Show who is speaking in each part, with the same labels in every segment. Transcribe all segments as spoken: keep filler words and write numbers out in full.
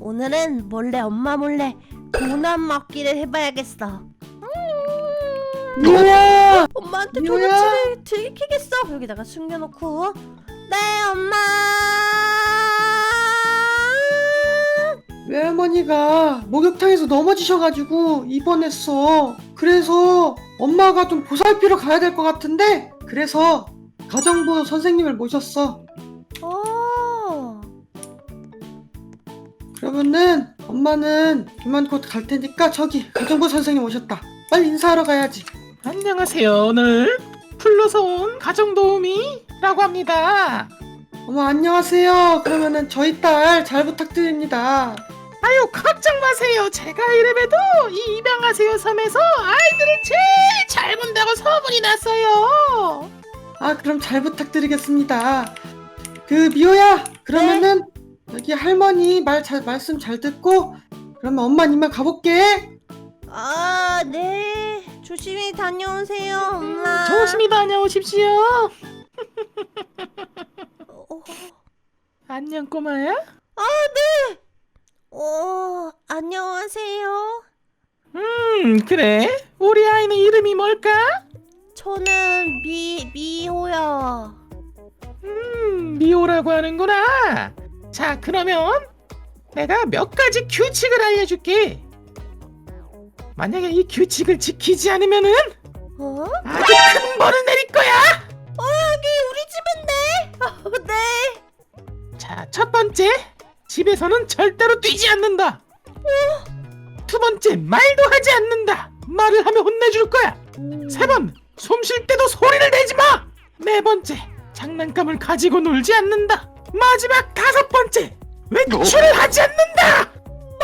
Speaker 1: 오늘은 몰래 엄마 몰래 도넛 먹기를 해봐야겠어.
Speaker 2: 미호야!
Speaker 1: 엄마한테
Speaker 2: 미호야!
Speaker 1: 도넛을 들키겠어. 여기다가 숨겨놓고. 네, 엄마.
Speaker 2: 외할머니가 목욕탕에서 넘어지셔가지고 입원했어. 그래서 엄마가 좀 보살피러 가야 될 것 같은데, 그래서 가정부 선생님을 모셨어.
Speaker 1: 어.
Speaker 2: 그러면은 엄마는 이만 곧 갈 테니까 저기 가정부 선생님 오셨다. 빨리 인사하러 가야지.
Speaker 3: 안녕하세요. 오늘 불러서 온 가정도우미라고 합니다.
Speaker 2: 어머, 안녕하세요. 그러면은 저희 딸 잘 부탁드립니다.
Speaker 3: 아유, 걱정 마세요. 제가 이래봬도 이 입양하세요 섬에서 아이들을 제일 잘 본다고 소문이 났어요.
Speaker 2: 아, 그럼 잘 부탁드리겠습니다. 그 미호야, 그러면은 여기 할머니 말 잘 말씀 잘 듣고, 그러면 엄마 이만 가볼게.
Speaker 1: 아, 네. 조심히 다녀오세요, 엄마.
Speaker 3: 조심히 다녀오십시오.
Speaker 1: 어,
Speaker 3: 안녕 꼬마야.
Speaker 1: 아, 네. 어, 안녕하세요.
Speaker 3: 음 그래. 우리 아이는 이름이 뭘까?
Speaker 1: 저는 미 미호요.
Speaker 3: 음 미호라고 하는구나. 자, 그러면 내가 몇 가지 규칙을 알려줄게. 만약에 이 규칙을 지키지 않으면은
Speaker 1: 어?
Speaker 3: 아주 큰 벌을 내릴 거야.
Speaker 1: 어, 여기 우리 집인데. 어, 네.
Speaker 3: 자, 첫 번째, 집에서는 절대로 뛰지 않는다. 두 번째, 말도 하지 않는다. 말을 하면 혼내줄 거야. 세 번, 숨 쉴 때도 소리를 내지 마. 네 번째, 장난감을 가지고 놀지 않는다. 마지막 다섯 번째, 외출을 하지 않는다.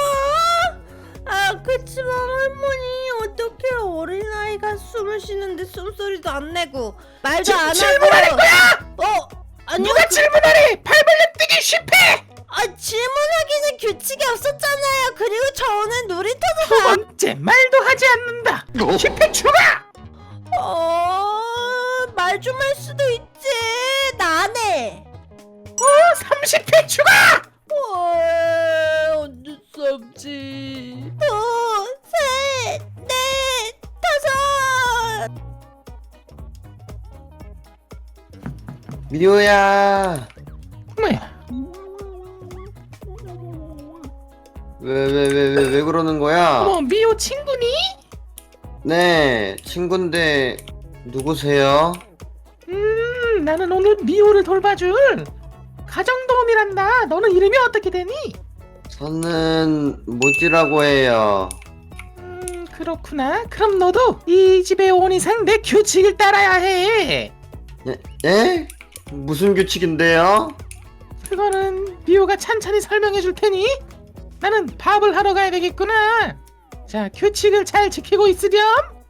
Speaker 1: 아, 그치만 할머니, 어떻게 어린아이가 숨을 쉬는데 숨소리도 안 내고 말도
Speaker 3: 지금
Speaker 1: 안 하고.
Speaker 3: 질문하는 거야.
Speaker 1: 어, 아니요.
Speaker 3: 누가
Speaker 1: 그,
Speaker 3: 질문하래? 팔 벌려 뛰기 실패.
Speaker 1: 아, 질문하기는 규칙이 없었잖아요. 그리고 저는 놀이터도
Speaker 3: 두
Speaker 1: 가.
Speaker 3: 번째, 말도 하지 않는다. 실패 추가.
Speaker 1: 어, 말 좀 할 수도 있지. 나 안 해.
Speaker 3: 어, 삼십 회 추가.
Speaker 1: 어, 어쩔 수 없지. 둘, 셋, 넷, 다섯.
Speaker 2: 미호야,
Speaker 3: 뭐야?
Speaker 2: 왜 왜 왜 왜 왜 그러는 거야?
Speaker 3: 뭐 미호 친구니?
Speaker 2: 네, 친구인데 누구세요?
Speaker 3: 음, 나는 오늘 미호를 돌봐줄 가정도우미란다. 너는 이름이 어떻게 되니?
Speaker 2: 저는 모지라고 해요.
Speaker 3: 음, 그렇구나. 그럼 너도 이 집에 온 이상 내 규칙을 따라야 해.
Speaker 2: 예? 예? 무슨 규칙인데요?
Speaker 3: 그거는 미호가 찬찬히 설명해 줄 테니 나는 밥을 하러 가야 되겠구나. 자, 규칙을 잘 지키고 있으렴.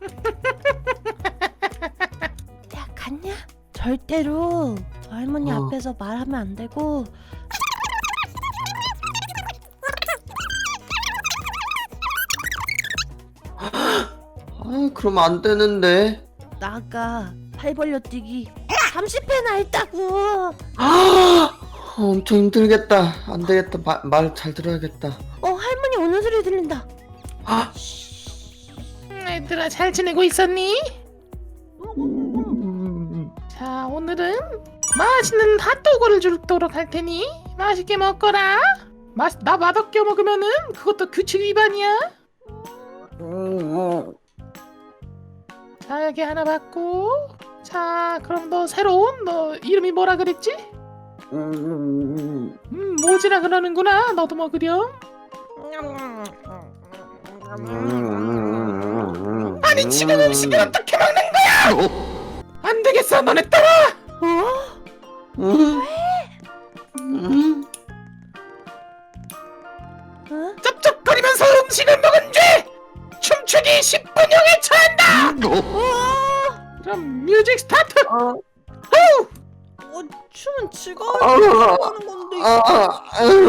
Speaker 1: 야, 갔냐? 절대로 할머니
Speaker 2: 어.
Speaker 1: 앞에서 말하면 안 되고.
Speaker 2: 아, 그럼 안 되는데.
Speaker 1: 나가 팔 벌려 뛰기 삼십 회나 했다고.
Speaker 2: 아, 엄청 힘들겠다. 안 되겠다. 말 잘 들어야겠다.
Speaker 1: 어, 할머니 오는 소리 들린다.
Speaker 2: 아,
Speaker 3: 음, 얘들아, 잘 지내고 있었니?
Speaker 2: 음,
Speaker 3: 자, 오늘은 맛있는 핫도그를 주도록 할 테니 맛있게 먹거라. 맛, 나 맛없게 먹으면은 그것도 규칙 위반이야.
Speaker 2: 음,
Speaker 3: 자, 여기 하나 받고. 자, 그럼 너 새로운 너 이름이 뭐라 그랬지?
Speaker 2: 음,
Speaker 3: 음, 모지라 그러는구나. 너도 먹으렴.
Speaker 2: 음,
Speaker 3: 아니, 지금 음식을 어떻게 먹는 거야? 안 되겠어, 너네 따라.
Speaker 1: 어?
Speaker 2: 음, 음,
Speaker 1: 어?
Speaker 3: 쩝쩝거리면서 음식을 먹은 죄 춤추기 십 분형에 처한다.
Speaker 1: 어?
Speaker 3: 그럼 뮤직 스타트.
Speaker 2: 어,
Speaker 1: 어, 춤은 지가
Speaker 2: 어,
Speaker 1: 하는 건데.
Speaker 2: 아,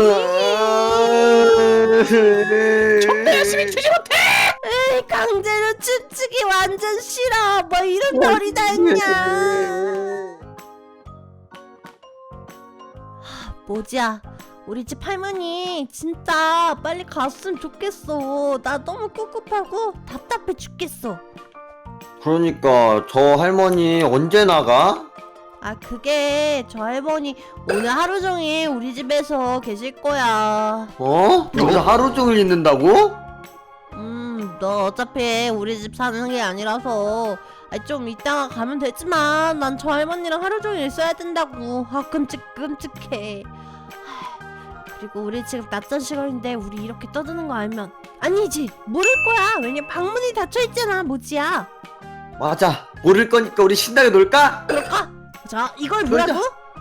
Speaker 3: 정말 열심히 추지 못해.
Speaker 1: 에이, 강제로 춤추기 완전 싫어. 뭐 이런 놀이 다 있냐. 하, 모지야, 우리 집 할머니 진짜 빨리 갔으면 좋겠어. 나 너무 꿉꿉하고 답답해 죽겠어.
Speaker 4: 그러니까 저 할머니 언제 나가?
Speaker 1: 아 그게 저 할머니 오늘 하루 종일 우리 집에서 계실 거야.
Speaker 4: 어? 여기서 하루 종일 있는다고?
Speaker 1: 음, 너 어차피 우리 집 사는 게 아니라서 아, 좀 이따가 가면 되지만 난 저 할머니랑 하루 종일 있어야 된다고. 아 끔찍 끔찍해. 하, 그리고 우리 지금 낮잠 시간인데 우리 이렇게 떠드는 거 알면 아니지 모를 거야. 왜냐 방문이 닫혀 있잖아 모지야.
Speaker 4: 맞아. 모를 거니까 우리 신나게 놀까?
Speaker 1: 그럴까? 자 이걸 뭐라고?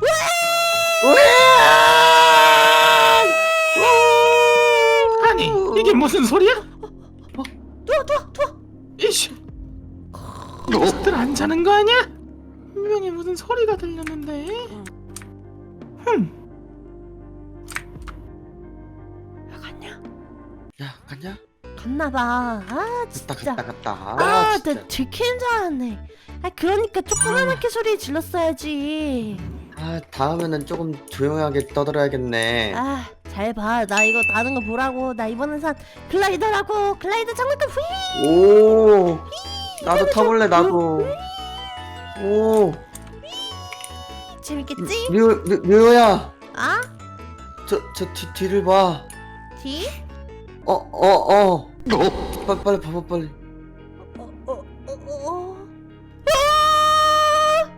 Speaker 3: 아니 이게 무슨 소리야?
Speaker 1: 누워 누워 누워.
Speaker 3: 이씨 녀석들 안 자는 거 아니야? 분명히 무슨 소리가 들렸는데. 흠.
Speaker 1: 왜 갔냐?
Speaker 4: 야, 갔냐?
Speaker 1: 갔나봐. 아
Speaker 4: 갔다
Speaker 1: 진짜.
Speaker 4: 갔다 갔다. 아,
Speaker 1: 아,
Speaker 4: 진짜.
Speaker 1: 나 들키는 줄 알았네. 아, 그러니까 조그맣게 소리 질렀어야지.
Speaker 4: 아, 다음에는 조금 조용하게 떠들어야겠네.
Speaker 1: 아, 잘 봐. 나 이거 나는 거 보라고. 나 이번엔 산 글라이더라고. 글라이더 장난감 후이.
Speaker 4: 오, 나도 타볼래 나도. 오,
Speaker 1: 재밌겠지?
Speaker 4: 류, 류, 류야,
Speaker 1: 아?
Speaker 4: 저, 저 뒤, 뒤를 봐.
Speaker 1: 뒤?
Speaker 4: 어, 어, 어. 빨리, 빨리 봐봐 빨리.
Speaker 1: 어, 어, 어, 어. 아!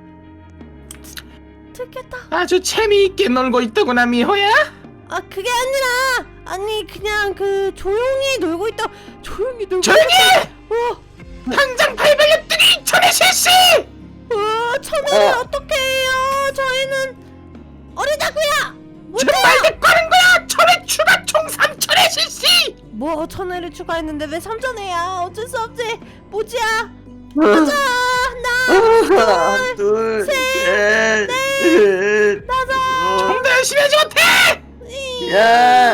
Speaker 1: 들켰다.
Speaker 3: 아주 재미있게 놀고 있더구나 미호야.
Speaker 1: 아, 그게 아니라 아니 그냥 그 조용히 놀고 있다. 조용히 놀고.
Speaker 3: 조용히 해!
Speaker 1: 어.
Speaker 3: 당장 팔 벌려뜨기 전에 실시!
Speaker 1: 어, 천원을
Speaker 4: 어.
Speaker 1: 어떻게 해요? 저희는 어리다고요.
Speaker 3: 지금 말 듣고 하는 거야! 천회 추가 총 삼천회 실시!
Speaker 1: 뭐 천원을 추가했는데 왜 삼천회야? 어쩔 수 없지. 모지야. 가자. 나
Speaker 4: 하나, 둘, 셋, 넷, 다섯.
Speaker 3: 좀 더 열심히 하지 못해!
Speaker 4: 야.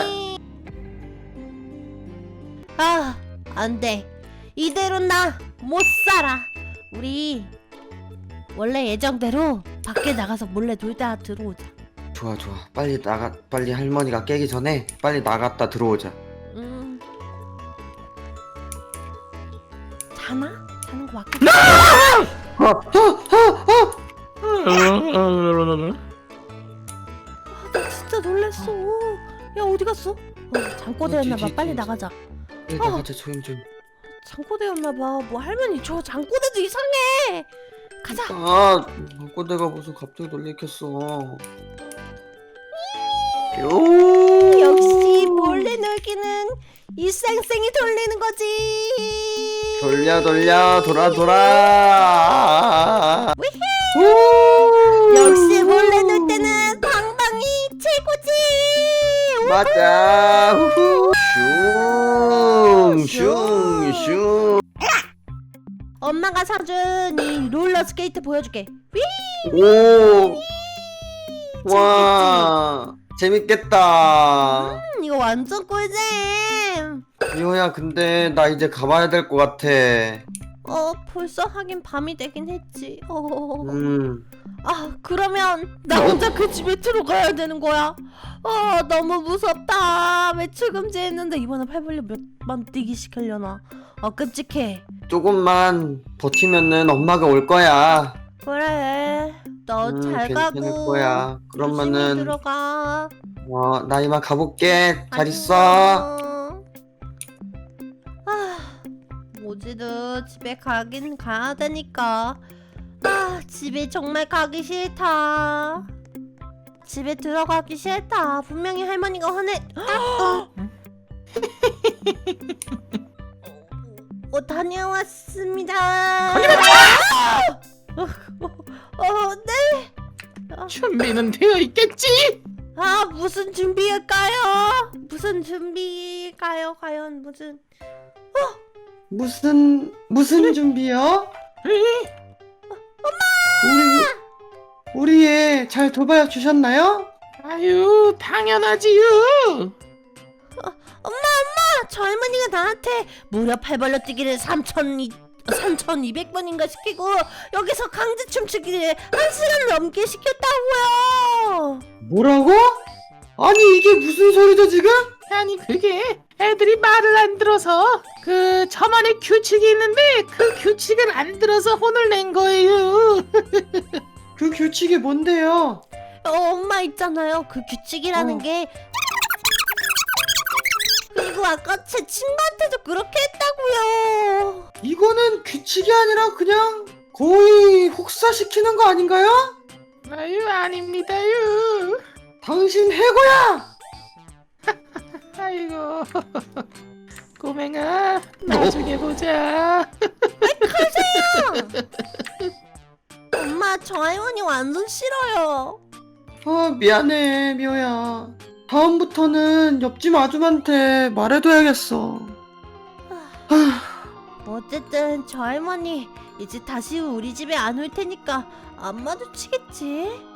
Speaker 1: 아, 안 돼. 이대로 나 못 살아. 우리 원래 예정대로 밖에 나가서 몰래 놀다 들어오자.
Speaker 4: 좋아 좋아. 빨리 나가. 빨리 할머니가 깨기 전에 빨리 나갔다 들어오자.
Speaker 1: 음. 자나? 자는 거 맞겠지?
Speaker 4: 어, 어, 어, 어.
Speaker 1: 아, 나 진짜 놀랬어. 야, 어디 갔어? 어, 잠꼬대였나봐.
Speaker 4: 뒤, 뒤,
Speaker 1: 빨리
Speaker 4: 뒤,
Speaker 1: 나가자.
Speaker 4: 빨리 나가자 조용 좀.
Speaker 1: 잠꼬대였나봐. 뭐 할머니 저 잠꼬대도 이상해. 가자.
Speaker 4: 아, 꼬대가 무슨 갑자기 놀래켰어. 요.
Speaker 1: 역시 몰래 놀기는 일상생이 돌리는 거지.
Speaker 4: 돌려 돌려 돌아 돌아. 오.
Speaker 1: 역시 몰래 놀 때는 방방이 최고지.
Speaker 4: 맞아. 후후. 슝, 슝.
Speaker 1: 엄마가 사준 이 롤러 스케이트 보여줄게. 위!
Speaker 4: 오. 와. 재밌겠다.
Speaker 1: 음, 이거 완전 꿀잼.
Speaker 4: 미호야, 근데 나 이제 가봐야 될 것 같아.
Speaker 1: 어, 벌써 하긴 밤이 되긴 했지. 어.
Speaker 4: 음.
Speaker 1: 아, 그러면 나 혼자 그 집에 들어가야 되는 거야. 어, 너무 무섭다. 외출 금지했는데 이번에 팔 벌려 몇만 뛰기 시키려나. 어, 끔찍해.
Speaker 4: 조금만 버티면은 엄마가 올 거야.
Speaker 1: 그래. 너
Speaker 4: 음,
Speaker 1: 잘
Speaker 4: 괜찮을
Speaker 1: 가고.
Speaker 4: 거야.
Speaker 1: 조심히
Speaker 4: 그러면은
Speaker 1: 들어가.
Speaker 4: 어, 나 이만 가볼게. 잘 있어.
Speaker 1: 안녕. 아, 모지도 집에 가긴 가야 되니까. 아, 집에 정말 가기 싫다. 집에 들어가기 싫다. 분명히 할머니가 화내. 어, 어, 다녀왔습니다. 어, 어, 어, 네.
Speaker 3: 준비는 되어 있겠지?
Speaker 1: 아, 무슨 준비일까요? 무슨 준비일까요? 과연 무슨?
Speaker 2: 무슨 무슨 준비요? 우리 우리 애 잘 돌봐 주셨나요?
Speaker 3: 아유 당연하지요.
Speaker 1: 아, 저 할머니가 나한테 무려 팔 벌려 뛰기를 삼천이백 번인가 시키고 여기서 강제 춤추기를 한 시간 넘게 시켰다고요.
Speaker 2: 뭐라고? 아니 이게 무슨 소리죠 지금?
Speaker 3: 아니 그게 애들이 말을 안 들어서 그 저만의 규칙이 있는데 그 규칙을 안 들어서 혼을 낸 거예요.
Speaker 2: 그 규칙이 뭔데요?
Speaker 1: 어, 엄마 있잖아요. 그 규칙이라는
Speaker 2: 어.
Speaker 1: 게 그리고 아까 제 친구한테도 그렇게 했다고요.
Speaker 2: 이거는 규칙이 아니라 그냥 거의 혹사시키는 거 아닌가요?
Speaker 3: 아유 아닙니다요.
Speaker 2: 당신 해고야!
Speaker 3: 아이고 꼬맹아 나중에 보자.
Speaker 1: 엄마 저 할머니 완전 싫어요.
Speaker 2: 아 미안해 미호야. 다음부터는 옆집 아줌한테 말해둬야겠어.
Speaker 1: 어쨌든 저 할머니 이제 다시 우리 집에 안 올 테니까 안 마주치겠지?